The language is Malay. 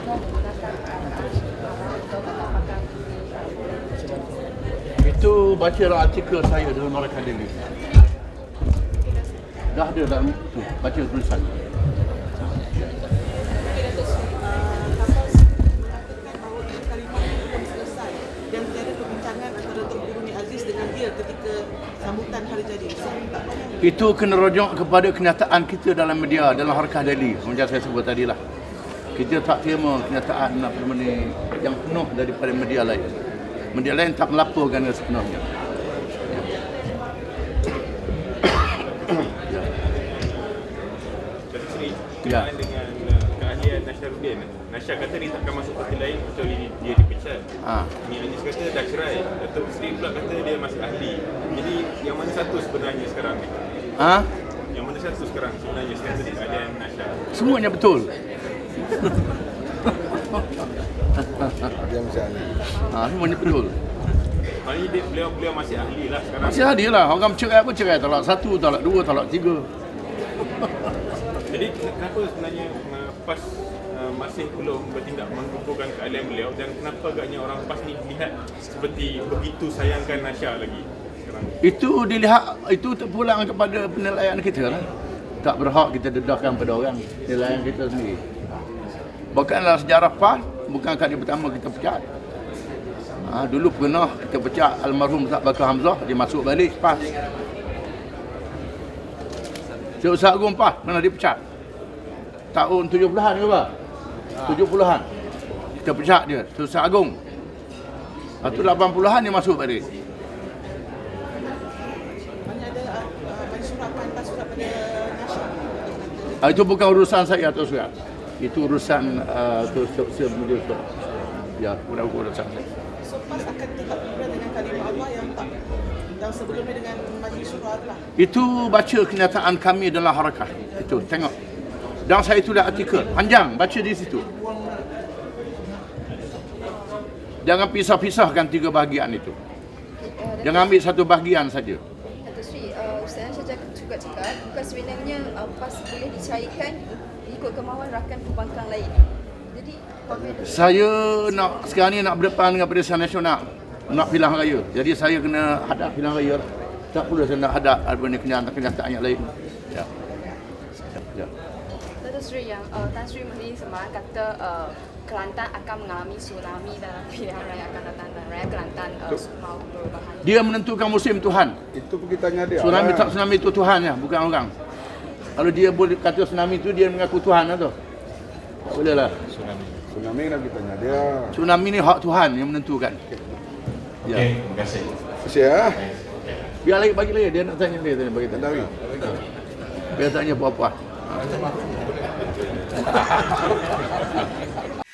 Itu baca artikel saya dalam Markah Daily. Dah ada dalam tu, baca tulisan. Sambutan hari jadi. Itu kena rujuk kepada kenyataan kita dalam media, dalam Harkah Daily. Macam saya sebut tadi lah. Kita tak terima kenyataan apa nama ni yang penuh daripada media lain. Media lain tak melaporkan sepenuhnya. Datuk Seri, berkenaan dengan keahlian Nasharuddin. Nasha kata dia takkan masuk parti lain kecuali dia dipecat. Ni Anis kata dah cerai. Datuk Seri pula kata dia masih ahli. Jadi yang mana satu sebenarnya sekarang ni? Yang mana satu sekarang sebenarnya strategi keahlian Nasha? Semuanya betul. Dia masih ahli. Semuanya betul. Maknanya beliau masih ahli lah sekarang. Masih ahli lah. Orang cerai apa cerai? Talak 1, talak 2, talak 3. Jadi kenapa sebenarnya PAS masih belum bertindak mengukuhkan keahlian beliau dan kenapa agaknya orang PAS ni lihat seperti begitu sayangkan Nasha lagi sekarang? Itu dilihat, itu terpulang kepada penilaian kita lah. Tak berhak kita dedahkan pada orang, penilaian kita sendiri. Bukanlah sejarah PAS, bukan kali pertama kita pecat. Dulu pernah kita pecat almarhum Ustaz Bakar Hamzah, dia masuk balik PAS. Ustaz Agung PAS pernah dipecat. Tahun 70-an ke apa? 70-an. Kita pecat dia, Ustaz Agung. Lepas tu 80-an dia masuk balik. Mana ada surat pada Nasha. Itu bukan urusan saya atau surat. Itu urusan media sosial. Ya, bukan urusan saya. So PAS akan tetap berada dengan kalimah Allah yang sebelumnya dengan Majlis Syura lah. Itu baca kenyataan kami dalam Harakah. Itu, tengok. Dan saya tulis artikel panjang, baca di situ. Jangan pisah-pisahkan 3 bahagian itu. Jangan ambil satu bahagian saja. Datuk Seri, Ustaz saya juga cakap, bukan sebenarnya PAS boleh dicairkan ikut kemahuan rakan pembangkang lain. Jadi, Saya nak sekarang ni nak berdepan dengan Barisan Nasional. Nak pilihan raya. Jadi saya kena hadap pilihan raya lah. Tak perlu saya nak hadap apa ni kenyataan yang lain. Ya. Ya. Datuk Seri yang Tan Sri Muhyiddin semalam kata Kelantan akan mengalami tsunami dalam pilihan raya akan datang dan raya Kelantan mau perubahan. Dia menentukan musim Tuhan. Itu pergi tanya dia. Tsunami tak tsunami itu Tuhan ya, bukan orang. Kalau dia boleh kata tsunami itu dia mengaku Tuhan lah tu. Tak boleh lah. Tsunami kena kita tanya dia. Tsunami ni hak Tuhan yang menentukan. Ya. Terima kasih. Kasih ya. Biar lagi bagi lagi dia nak tanya dia tanya bagi Tandawi. Biar tanya puas-puas.